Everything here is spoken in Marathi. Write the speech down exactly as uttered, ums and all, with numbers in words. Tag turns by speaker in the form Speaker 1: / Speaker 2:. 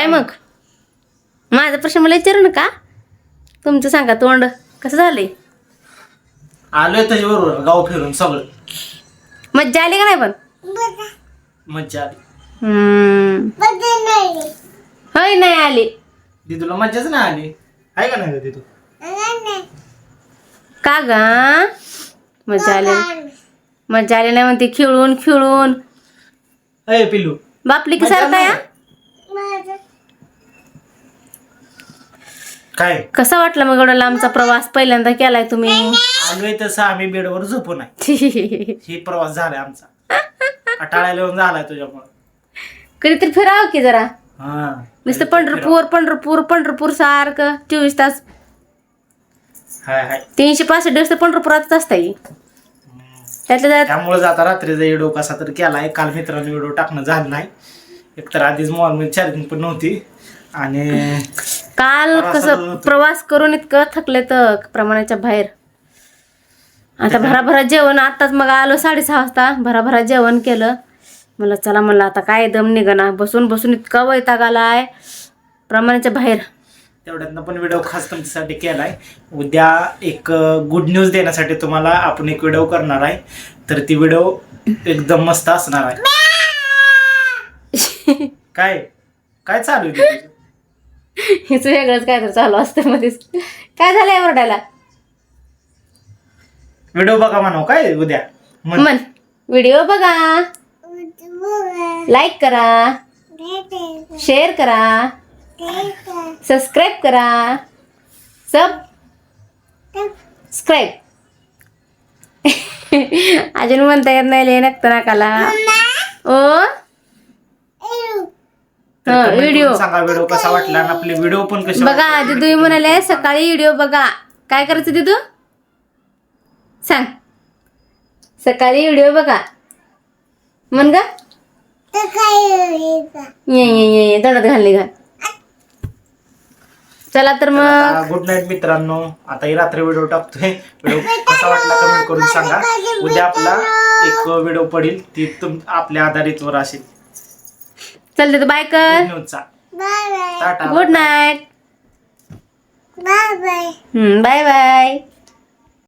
Speaker 1: काय मग माझा प्रश्न मला विचारू नका, तुमचं सांगा. तोंड कसं झालंय?
Speaker 2: आलोय त्याच्याबरोबर गाव फिरून सगळं.
Speaker 1: मज्जा आली का नाही? पण
Speaker 2: मज्जा आली.
Speaker 1: हम्म होय नाही आली.
Speaker 2: दिदूला मज्जाच नाही आली आहे का नाही दिदू?
Speaker 1: का गा मज्जा आली? मज्जा आली नाही म्हणते. खेळून खेळून
Speaker 2: अय पिल्लू
Speaker 1: बापली की सारखा या.
Speaker 2: काय
Speaker 1: कसा वाटला मग एवढा लांबचा प्रवास पहिल्यांदा केलाय तुम्ही?
Speaker 2: आलोय तसं आम्ही बेडवर झोपू नाही. ही प्रवास झालाय आमचा. अटाळ्याला येऊन झालाय तुझ्यामुळे.
Speaker 1: कधीतरी फिरावं की जरा.
Speaker 2: हा
Speaker 1: नुसतं पंढरपूर पंढरपूर पंढरपूर सारखं चोवीस तास
Speaker 2: हाय हाय.
Speaker 1: तीनशे पासष्ट दिवस तर पंढरपुरातच असताय. त्यातल्या त्यात
Speaker 2: त्यामुळे आता रात्रीचा व्हिडिओ कसा तर केलाय. काल मित्रांनी व्हिडिओ टाकणं झालं नाही. एकतर आधीच मोबाईल चार्जिंग पण नव्हती आणि
Speaker 1: काल कसं प्रवास करून इतकं थकले तर प्रमाणाच्या बाहेर. आता भराभरा जेवण आताच मग आलो साडेसहा वाजता. भराभरा जेवण केलं. मला चला म्हणलं आता काय दम निघना. बसून बसून इतका वैताग आलाय प्रमाणाच्या बाहेर.
Speaker 2: तेवढ्यातनं पण व्हिडिओ खास तुमच्यासाठी केलाय. उद्या एक गुड न्यूज देण्यासाठी तुम्हाला आपण एक व्हिडिओ करणार आहे. तर ती व्हिडिओ एकदम मस्त असणार आहे. काय काय चालू आहे तुझं?
Speaker 1: हिच वेगळंच काय तर चालू असतं मध्येच. काय झालंय ओरडायला?
Speaker 2: व्हिडिओ बघा म्हणाव काय उद्या म्हण.
Speaker 1: मन व्हिडिओ बघा, लाईक करा, शेअर करा, सबस्क्राईब करा. सब स्क्राईब अजून म्हणता येत नाही ले नक्त नाकाला. ओ
Speaker 2: तर comment
Speaker 1: व्हिडिओ
Speaker 2: करून सांगा व्हिडिओ कसा वाटला आणि आपले व्हिडिओ पण कसे
Speaker 1: बघा. दिदू म्हणाले सकाळी व्हिडिओ बघा. काय करायचं दिदू सांग? सकाळी व्हिडिओ बघा म्हण ग. ये ये ये दडत घालली घाल. चला तर मग
Speaker 2: गुड नाईट मित्रांनो. आता ही रात्री व्हिडिओ टाकतोय. व्हिडिओ कसा वाटला कमेंट करून सांगा. उद्या आपला एक व्हिडिओ पडेल ती तुम आपल्या आधारितवर असेल.
Speaker 1: चल तर बाय कर.
Speaker 2: न्यूजचा tata
Speaker 1: good night. Bye bye. Bye bye.